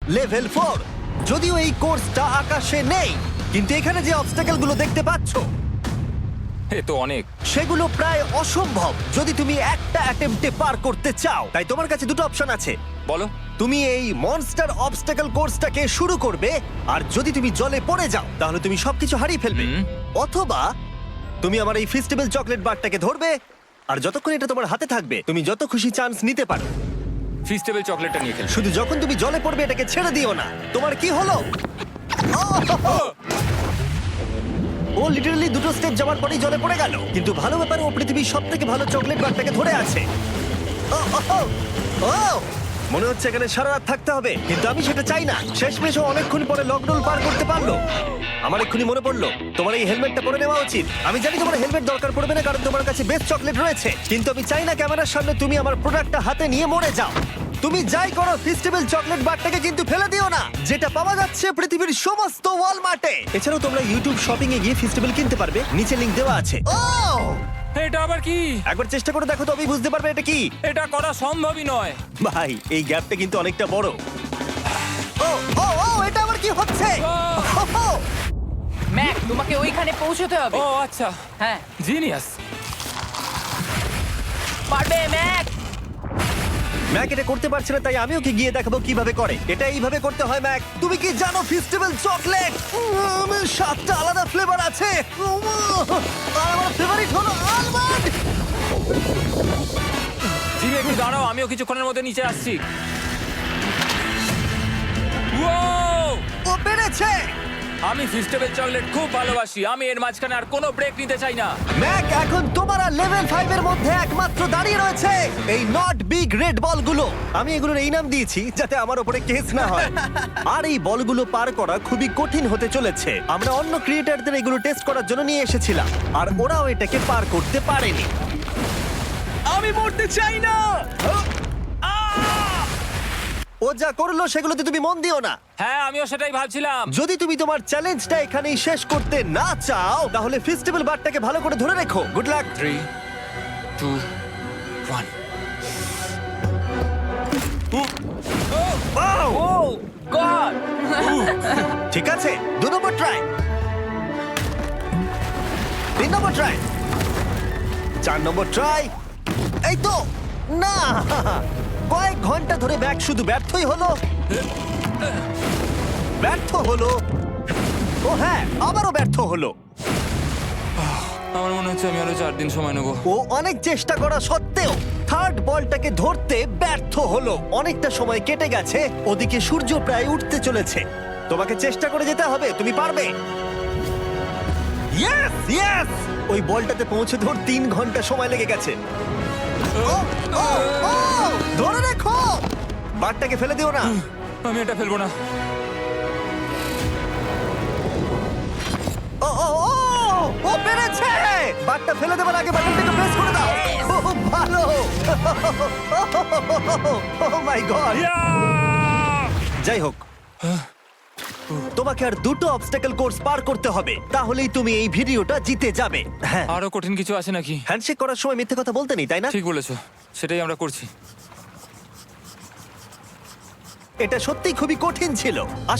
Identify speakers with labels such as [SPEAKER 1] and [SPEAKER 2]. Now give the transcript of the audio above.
[SPEAKER 1] Level 4। যদিও এই কোর্সটা আকাশে নেই, কিন্তু এখানে যে অবস্টাকেল গুলো দেখতে পাচ্ছো
[SPEAKER 2] এ তো অনেক।
[SPEAKER 1] সেগুলো প্রায় অসম্ভব যদি তুমি একটা অ্যাটেম্পটে পার করতে চাও। তাই তোমার কাছে দুটো অপশন আছে।
[SPEAKER 2] বলো।
[SPEAKER 1] তুমি এই মনস্টার অবস্টাকেল কোর্সটাকে শুরু করবে, আর যদি তুমি জলে পড়ে যাও তাহলে তুমি সবকিছু হারিয়ে ফেলবে। অথবা তুমি আমার এই ফেস্টিভ্যাল চকলেট বারটাকে ধরবে, আর যতক্ষণ এটা তোমার হাতে থাকবে তুমি যত খুশি চান্স নিতে পারো।
[SPEAKER 2] ফিস্টেবল চকলেটটা নিয়ে খেল।
[SPEAKER 1] শুধু যখন তুমি জলে পড়বে এটাকে ছেড়ে দিও না। তোমার কি হলো? ও লিটারালি দুটো স্টেপ যাওয়ার পরেই জলে পড়ে গেল। কিন্তু ভালো ব্যাপার, ও পৃথিবীর সবথেকে ভালো চকলেট বারটাকে ধরে আছে। ও, ও, ও, ও! মনে হচ্ছে এখানে সারা রাত থাকতে হবে, কিন্তু আমি সেটা চাই না। শেষমেশ ও অনেকক্ষণ পরে লকডাউন পার করতে পারলো। আমার এক্ষুনি মনে পড়লো তোমার এই হেলমেটটা পরে নেওয়া উচিত। আমি জানি তোমার হেলমেট দরকার পড়বে না, কারণ তোমার কাছে বেস্ট চকলেট রয়েছে, কিন্তু আমি চাই না ক্যামেরার সামনে তুমি আমার প্রোডাক্টটা হাতে নিয়ে মরে যাও। তুমি যাই করো, ফেস্টিভ্যাল চকলেট বারটাকে কিন্তু ফেলে দিও না, যেটা পাওয়া যাচ্ছে পৃথিবীর সমস্ত ওয়ালমার্টে। এছাড়াও তোমরা ইউটিউব শপিং এ গিয়ে ফেস্টিভ্যাল কিনতে পারবে, নিচে লিংক দেওয়া আছে। ও,
[SPEAKER 2] এটা আবার কি?
[SPEAKER 1] একবার চেষ্টা করে দেখো, তবেই বুঝতে পারবে এটা কি।
[SPEAKER 2] এটা করা সম্ভবই নয়।
[SPEAKER 1] ভাই, এই গ্যাপটা কিন্তু অনেকটা বড়। ও ও ও, এটা আবার কি হচ্ছে? ও,
[SPEAKER 3] ম্যাক, তোমাকে ওইখানে পৌঁছতে হবে।
[SPEAKER 2] ও আচ্ছা,
[SPEAKER 3] হ্যাঁ,
[SPEAKER 2] জিনিয়াস।
[SPEAKER 3] পারবে ম্যাক।
[SPEAKER 1] ম্যাক এটা করতে পারছে না, তাই আমি ওকে গিয়ে দেখাবো কিভাবে করে। এটা এইভাবে করতে হয় ম্যাক। তুমি কি জানো ফেস্টিভ্যাল চকলেট 7টা আলাদা ফ্লেভার আছে? আর আমার ফেভারিট হলো আলমন্ড।
[SPEAKER 2] জিমি একটু দাঁড়াও, আমিও কিছুক্ষণের মধ্যে নিচে আসছি। Wow!
[SPEAKER 1] ও পেরেছে।
[SPEAKER 2] আমি ফিস্টেবল চকলেট খুব ভালোবাসি। আমি এর মাঝখানে আর কোনো ব্রেক নিতে চাই না।
[SPEAKER 1] ম্যাক এখন তোমার আর লেভেল 5 এর মধ্যে একমাত্র দাঁড়িয়ে রয়েছে এই নট বিগ রেড বলগুলো। আমি এগুলোর এই নাম দিয়েছি যাতে আমার উপরে কেস না হয়। আর এই বলগুলো পার করা খুবই কঠিন হতে চলেছে। আমরা অন্য ক্রিয়েটরদের এগুলো টেস্ট করার জন্য নিয়ে এসেছিলাম, আর ওরাও এটাকে পার করতে পারেনি। আমি মরতে চাই না। ও যা করলো সেগুলোতে তুমি মন দিও না।
[SPEAKER 2] হ্যাঁ, আমিও সেটাই ভাবছিলাম।
[SPEAKER 1] যদি তুমি তোমার চ্যালেঞ্জটা এখানেই শেষ করতে না চাও, তাহলে ফেস্টিভ্যাল বারটাকে ভালো করে ধরে রেখো। Good luck.
[SPEAKER 2] 3, 2, 1।
[SPEAKER 3] Oh God.
[SPEAKER 1] ঠিক আছে, 2 নম্বর ট্রাই, 3 নম্বর ট্রাই, 4 নম্বর ট্রাই। এই তো না, কয়েক ঘন্টা ধরে ব্যাগ শুধু ব্যর্থই হলো, ব্যর্থ হলো। ও হ্যাঁ, আবারও ব্যর্থ হলো।
[SPEAKER 2] আমার মনে হচ্ছে আমি আরো 4 দিন সময় নেবো।
[SPEAKER 1] ও অনেক চেষ্টা করা সত্ত্বেও থার্ড বলটাকে ধরতে ব্যর্থ হলো। অনেকটা সময় কেটে গেছে, ওদিকে সূর্য প্রায় উঠতে চলেছে। তোমাকে চেষ্টা করে যেতে হবে, তুমি পারবে। ইয়েস ইয়েস, ওই বলটাতে পৌঁছে ধর 3 ঘন্টা সময় লেগে গেছে। ও, ও, ও, ধরে রেখো, বারটাকে ফেলে দিও না।
[SPEAKER 2] আমি এটা ফেলবো না।
[SPEAKER 1] ও ও ও, ও পেরেছে। বারটা ফেলে দেবার আগে বাটনটাকে প্রেস করে দাও। ও ভালো। Oh my God. যাই হোক, তোমাকে আর দুটো অবস্টাকেল কোর্স পার করতে হবে, তাহলেই তুমি এই ভিডিওটা জিতে যাবে। হ্যাঁ,
[SPEAKER 2] আরো কঠিন কিছু আছে নাকি?
[SPEAKER 1] হ্যান্ডশেক করার সময় মিথ্যে কথা বলতে নেই, তাই না?
[SPEAKER 2] ঠিক বলেছো, সেটাই আমরা করছি।
[SPEAKER 1] এটা সত্যিই খুবই কঠিন ছিল।